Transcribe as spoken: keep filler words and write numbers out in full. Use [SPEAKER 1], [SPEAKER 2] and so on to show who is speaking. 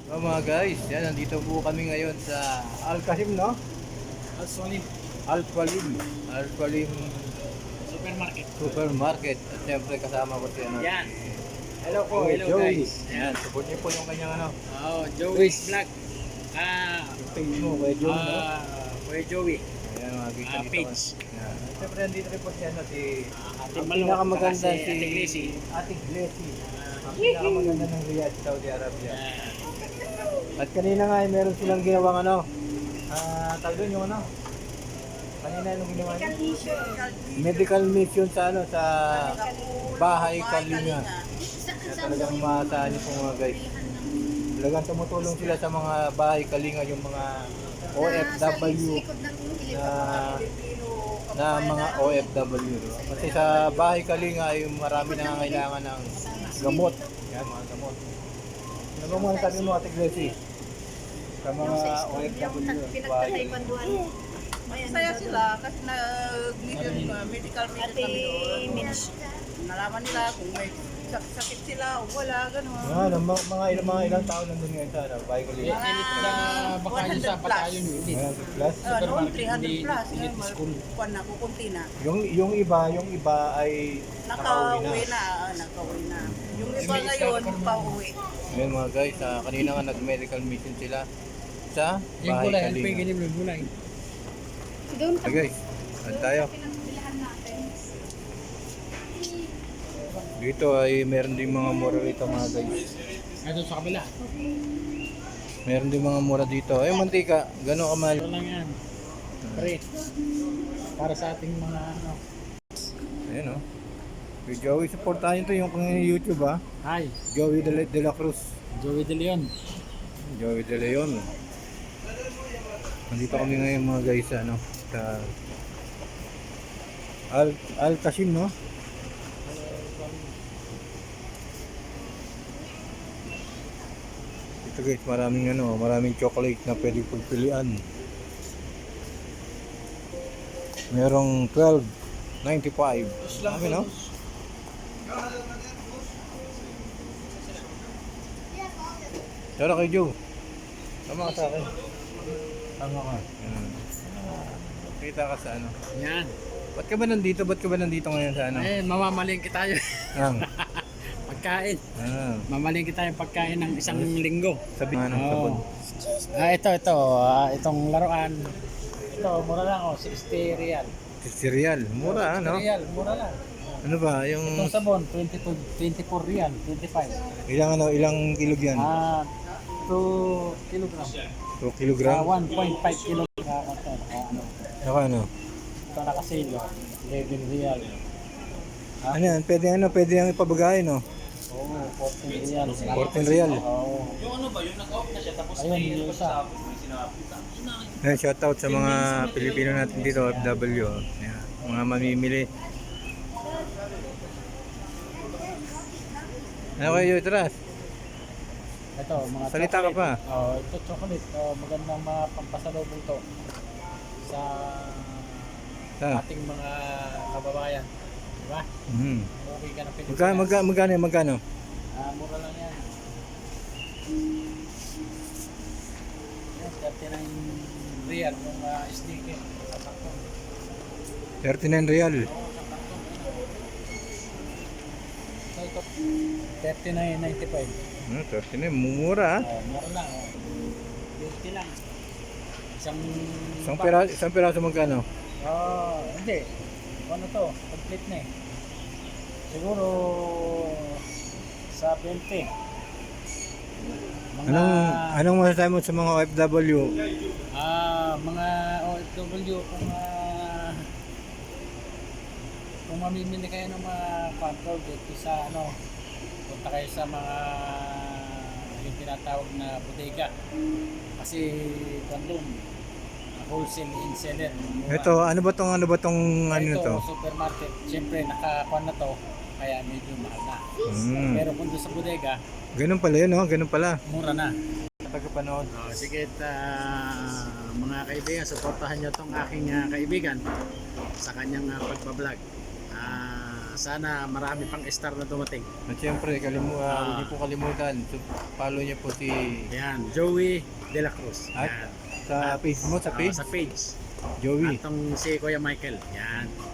[SPEAKER 1] So mga guys, yan, nandito po kami ngayon sa Al-Kasim, no?
[SPEAKER 2] Al-Salim
[SPEAKER 1] Al-Qalim. Al-Qalim
[SPEAKER 2] Supermarket.
[SPEAKER 1] Supermarket. At siyempre kasama ko si ano.
[SPEAKER 2] Yan. Hello po,
[SPEAKER 1] Joey,
[SPEAKER 2] hello
[SPEAKER 1] Joey.
[SPEAKER 2] guys.
[SPEAKER 1] Yan, support niyo po yung kanyang ano.
[SPEAKER 2] Oh, Joey's Vlog. Ah,
[SPEAKER 1] Yung page mo kay Joey, no?
[SPEAKER 2] ah, Kuya Joey.
[SPEAKER 1] Ayan, mga kita
[SPEAKER 2] Ah,
[SPEAKER 1] dito.
[SPEAKER 2] page.
[SPEAKER 1] Yan. At siyempre nandito rin po si ano, si
[SPEAKER 2] Ate
[SPEAKER 1] ang
[SPEAKER 2] Malo,
[SPEAKER 1] pinakamaganda
[SPEAKER 2] saka
[SPEAKER 1] si
[SPEAKER 2] si Ate Gracie.
[SPEAKER 1] Ate Gracie. Ang pinakamaganda ng Riyadh, Saudi Arabia.
[SPEAKER 2] Yan.
[SPEAKER 1] At kanina nga ay meron silang ginawang ano. Ah, tawag doon yung ano. Kanina yung ginawa niya? Medical mission sa ano sa bahay Kalinga. Kaya talagang maasahan niyo po mga guys. Talagang tumutulong sila sa mga bahay Kalinga, yung mga O F W na na mga O F W. No? Kasi sa bahay Kalinga ay marami nangangailangan ng gamot. Yan, mga gamot. Ano ba mga sabi mo, Ate Gracie? Sa mga O F W. bahay.
[SPEAKER 3] Saya sila kasi nag-medical medical mission kami doon. Nalaman nila kung may sak- sakit sila o wala, gano'n.
[SPEAKER 1] Mga, ano, mga, mga, ilang, mga ilang taon nandun ngayon sa ano, bahay Kalinga.
[SPEAKER 2] Yan ito sa baka yun sa patayon yun.
[SPEAKER 1] Ayan, plus.
[SPEAKER 3] Uh, noon three hundred
[SPEAKER 2] Hindi-
[SPEAKER 3] plus,
[SPEAKER 2] hindi
[SPEAKER 3] ngayon
[SPEAKER 2] school.
[SPEAKER 3] kuwan na, kukunti na.
[SPEAKER 1] Yung, yung iba, yung iba ay nakauwi
[SPEAKER 3] Nakauwi
[SPEAKER 1] na.
[SPEAKER 3] na, ah, nakauwi na. Yung iba ngayon, pa-uwi.
[SPEAKER 1] Ngayon mga guys, ah, kanina nga nag-medical mission sila sa
[SPEAKER 2] Yung
[SPEAKER 1] bahay
[SPEAKER 2] gulay, ano pa yung
[SPEAKER 1] Kalinga.
[SPEAKER 2] ganyan yung gulay?
[SPEAKER 1] Okay guys, saan tayo? Dito ay meron din mga mura rito mga guys.
[SPEAKER 2] Ito sa kabila.
[SPEAKER 1] Meron din mga mura dito. Ay mantika, gano'n kamahal.
[SPEAKER 2] Ito lang yan. Pre. Para sa ating mga ano.
[SPEAKER 1] Ayan o. Oh. Joey, supportahan nyo to yung kung YouTube ha.
[SPEAKER 2] Hi,
[SPEAKER 1] Joey de la, de la Cruz.
[SPEAKER 2] Joey De Leon.
[SPEAKER 1] Joey de Leon. Nandito kami ngayon mga guys sa ano, sa Al Al Qasim, no? Ito guys, maraming ano, maraming chocolate na pwede pagpilian. Merong twelve ninety-five. Sabi no? Tara kay Joe. Tama ka sa akin. Tama ka. Yan. Kita ka sa ano.
[SPEAKER 2] Yan.
[SPEAKER 1] Ba't ka ba nandito? Ba't ka ba nandito ngayon sa ano?
[SPEAKER 2] Eh, mamamalingki tayo.
[SPEAKER 1] Ang.
[SPEAKER 2] Pagkain.
[SPEAKER 1] Ah.
[SPEAKER 2] Mamalingki tayo pagkain ng isang linggo.
[SPEAKER 1] Sabi nga ng sabon.
[SPEAKER 2] Oh. Ah, ito, ito. Ah, itong laruan. Ito, mura lang oh, sixty real.
[SPEAKER 1] Cereal. Mura ano?
[SPEAKER 2] sixty real, mura lang.
[SPEAKER 1] Ano ba? Yung
[SPEAKER 2] Itong sabon, twenty-two, twenty-four real, twenty-five.
[SPEAKER 1] ilang ano, ilang kilog yan?
[SPEAKER 2] Ah, two kilogram.
[SPEAKER 1] two
[SPEAKER 2] Ah,
[SPEAKER 1] kilogram?
[SPEAKER 2] one point five kilogram. Ah, ito, ah, ano.
[SPEAKER 1] Saka ano?
[SPEAKER 2] Ito nakasilo, eleven real. Ah,
[SPEAKER 1] Ano yan? Pwede ano? Pwede yung ipabagay no?
[SPEAKER 2] Oo, fourteen real.
[SPEAKER 1] fourteen real.
[SPEAKER 2] Oo. Yung ano ba, yung nag-off na siya tapos ayun, yung isa.
[SPEAKER 1] Ayan, shoutout sa mga Pilipino natin dito, O F W. Ayan, mga mamimili. Ano kayo, Tras?
[SPEAKER 2] Ito, mga
[SPEAKER 1] Salita ka
[SPEAKER 2] chocolate.
[SPEAKER 1] pa.
[SPEAKER 2] Oh, ito chocolate. Oh, magandang mga pampasalubong to sa
[SPEAKER 1] Ah.
[SPEAKER 2] ating mga kababayan. Di ba?
[SPEAKER 1] Mhm.
[SPEAKER 2] Okay ka na Pilipinas.
[SPEAKER 1] Magkano, magkano, magkano, magkano?
[SPEAKER 2] Ah, mura lang yan. Yan, thirty-nine real yung uh, sneaker sa karton.
[SPEAKER 1] thirty-nine real.
[SPEAKER 2] Oo, sa karton. So ito, thirty-nine ninety-five.
[SPEAKER 1] Hmm, thirty-nine, mumura ah.
[SPEAKER 2] Oh, mura lang. Oh. fifty lang. Isang...
[SPEAKER 1] Isang
[SPEAKER 2] pa-
[SPEAKER 1] piraso, isang piraso magkano?
[SPEAKER 2] Oh, hindi. Ano to? Complete na eh. Siguro sa twenty. Mga,
[SPEAKER 1] Anong, anong masasabi mo sa mga O F W?
[SPEAKER 2] ah, mga O F W kung ah, kung mamimili kayo ng mga control dito sa ano, punta kayo sa mga yung tinatawag na bodega. Kasi bandung wholesale and seller. Mura.
[SPEAKER 1] Ito, ano ba tong, ano ba tong, ano
[SPEAKER 2] Ito,
[SPEAKER 1] na to?
[SPEAKER 2] supermarket. Siyempre, nakakuha na to. Kaya medyo mahal na.
[SPEAKER 1] Hmm.
[SPEAKER 2] Pero kung doon sa bodega,
[SPEAKER 1] Ganun pala yun, no? Ganun pala.
[SPEAKER 2] mura na.
[SPEAKER 1] Tagapanood.
[SPEAKER 2] Oh, sige, uh, mga kaibigan, supportahan nyo tong aking ah, kaibigan sa kanyang uh, pagbablog. Ah, sana marami pang star na dumating.
[SPEAKER 1] At syempre, kalimu, uh,
[SPEAKER 2] Ah.
[SPEAKER 1] huwag niyo po kalimutan. So, follow niyo po si
[SPEAKER 2] Yan, Joey De La Cruz.
[SPEAKER 1] At
[SPEAKER 2] Yan.
[SPEAKER 1] sa page mo, sa
[SPEAKER 2] Ah,
[SPEAKER 1] page.
[SPEAKER 2] sa page.
[SPEAKER 1] Joey.
[SPEAKER 2] At tong si Kuya Michael. Yan.